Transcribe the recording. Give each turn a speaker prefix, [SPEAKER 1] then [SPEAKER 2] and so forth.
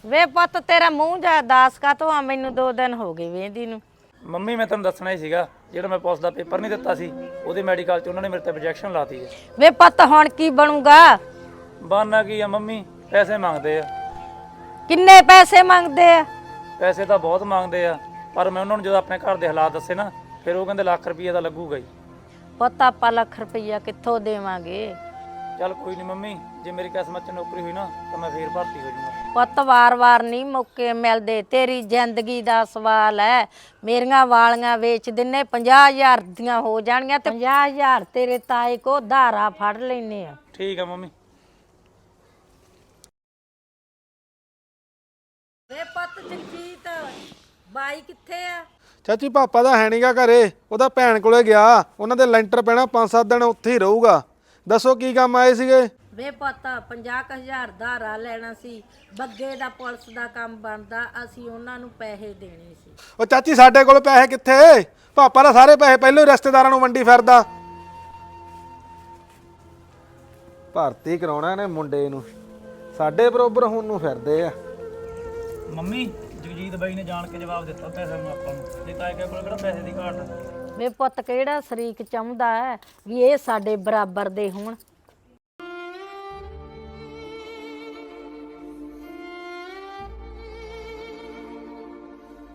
[SPEAKER 1] ਵੇ ਪੁੱਤ ਤੇਰਾ ਮੂੰਹ ਜਾ ਦਾਸ ਕਾ ਤੋਂ ਆ ਮੈਨੂੰ 2 ਦਿਨ ਹੋ ਗਏ ਵੇਂਦੀ ਨੂੰ।
[SPEAKER 2] ਮੰਮੀ ਮੈਂ ਤੁਹਾਨੂੰ ਦੱਸਣਾ ਹੀ ਸੀਗਾ, ਜਿਹੜਾ ਮੈਂ ਪੁਲਿਸ ਦਾ ਪੇਪਰ ਨਹੀਂ ਦਿੱਤਾ ਸੀ ਉਹਦੇ ਮੈਡੀਕਲ 'ਚ ਉਹਨਾਂ ਨੇ ਮੇਰੇ ਤੇ ਰਿਜੈਕਸ਼ਨ ਲਾਤੀ ਹੈ।
[SPEAKER 1] ਵੇ ਪੁੱਤ ਹੁਣ ਕੀ ਬਣੂਗਾ?
[SPEAKER 2] ਬਾਨਾ ਕੀ ਆ ਮੰਮੀ, ਪੈਸੇ ਮੰਗਦੇ ਆ।
[SPEAKER 1] ਕਿੰਨੇ ਪੈਸੇ ਮੰਗਦੇ ਆ?
[SPEAKER 2] ਪੈਸੇ ਤਾਂ ਬਹੁਤ ਮੰਗਦੇ ਆ, ਪਰ ਮੈਂ ਉਹਨਾਂ ਨੂੰ ਜਦੋਂ ਆਪਣੇ ਘਰ ਦੇ ਹਾਲਾਤ ਦੱਸੇ ਨਾ, ਫਿਰ ਉਹ ਕਹਿੰਦੇ ਲੱਖ ਰੁਪਈਆ ਤਾਂ ਲੱਗੂਗਾ ਹੀ।
[SPEAKER 1] ਪੁੱਤ ਆਪਾਂ ਲੱਖ ਰੁਪਈਆ ਕਿੱਥੋਂ ਦੇਵਾਂਗੇ?
[SPEAKER 2] ਚੱਲ ਕੋਈ ਨਹੀਂ ਮੰਮੀ, ਜੇ ਮੇਰੀ ਕਿਸਮਤ 'ਚ ਨੌਕਰੀ ਹੋਈ ਨਾ ਤਾਂ ਮੈਂ ਫੇਰ ਭਰਤੀ ਹੋ ਜਾਊਂਗਾ।
[SPEAKER 1] ਪੁੱਤ ਵਾਰ-ਵਾਰ ਨਹੀਂ ਮੌਕੇ ਮਿਲਦੇ, ਤੇਰੀ ਜ਼ਿੰਦਗੀ ਦਾ ਸਵਾਲ ਹੈ। ਮੇਰੀਆਂ ਵਾਲੀਆਂ ਵੇਚ ਦਿੰਨੇ 50,000 ਦੀਆਂ ਹੋ ਜਾਣਗੀਆਂ ਤੇ 50,000 ਤੇਰੇ ਤਾਏ ਕੋ ਧਾਰਾ ਫੜ ਲੈਨੇ ਆ।
[SPEAKER 2] ਠੀਕ ਆ ਮੰਮੀ।
[SPEAKER 1] ਵੇ ਪੁੱਤ ਜਗਜੀਤ ਬਾਈ ਕਿੱਥੇ ਆ?
[SPEAKER 3] ਚਾਚੀ ਪਾਪਾ ਦਾ ਹੈ ਨਹੀਂਗਾ ਘਰੇ, ਉਹਦਾ ਭੈਣ ਕੋਲੇ ਗਿਆ। ਉਹਨਾਂ ਦੇ ਲੈਂਟਰ ਪੈਣਾ, 5-7 ਦਿਨ ਉੱਥੇ ਹੀ ਰਹੂਗਾ। ਦੱਸੋ ਕੀ ਕੰਮ ਆਏ ਸੀਗੇ?
[SPEAKER 1] ਵੇ ਪੁੱਤ 50,000 ਧਾਰਾ ਲੈਣਾ ਸੀ, ਬੱਗੇ ਦਾ ਪੁਲਿਸ ਦਾ ਕੰਮ ਬਣਦਾ, ਅਸੀਂ ਉਹਨਾਂ ਨੂੰ ਪੈਸੇ ਦੇਣੇ ਸੀ।
[SPEAKER 3] ਉਹ ਚਾਚੀ ਸਾਡੇ ਕੋਲ ਪੈਸੇ ਕਿੱਥੇ? ਪਾਪਾ ਦਾ ਸਾਰੇ ਪੈਸੇ ਪਹਿਲਾਂ ਹੀ ਰਿਸ਼ਤੇਦਾਰਾਂ ਨੂੰ ਵੰਡੀ ਫਿਰਦਾ। ਭਰਤੀ ਕਰਾਉਣਾ ਇਹਨੇ ਮੁੰਡੇ ਨੂੰ, ਸਾਡੇ ਬਰੋਬਰ ਹੁਣ ਨੂੰ ਫਿਰਦੇ ਆ।
[SPEAKER 2] ਮੰਮੀ ਜਗਜੀਤ ਬਾਈ ਨੇ ਜਾਣ ਕੇ ਜਵਾਬ ਦਿੱਤਾ ਪੈਸੇ ਨੂੰ ਆਪਾਂ ਨੂੰ, ਨਹੀਂ ਤਾਂ ਇਹ ਕੋਲ ਕਿਹੜਾ ਪੈਸੇ ਦੀ ਘਾਟ ਆ।
[SPEAKER 1] ਵੇ ਪੁੱਤ ਕਿਹੜਾ ਸ਼ਰੀਕ ਚਾਹੁੰਦਾ ਹੈ ਵੀ ਇਹ ਸਾਡੇ ਬਰਾਬਰ ਦੇ ਹੋਣ?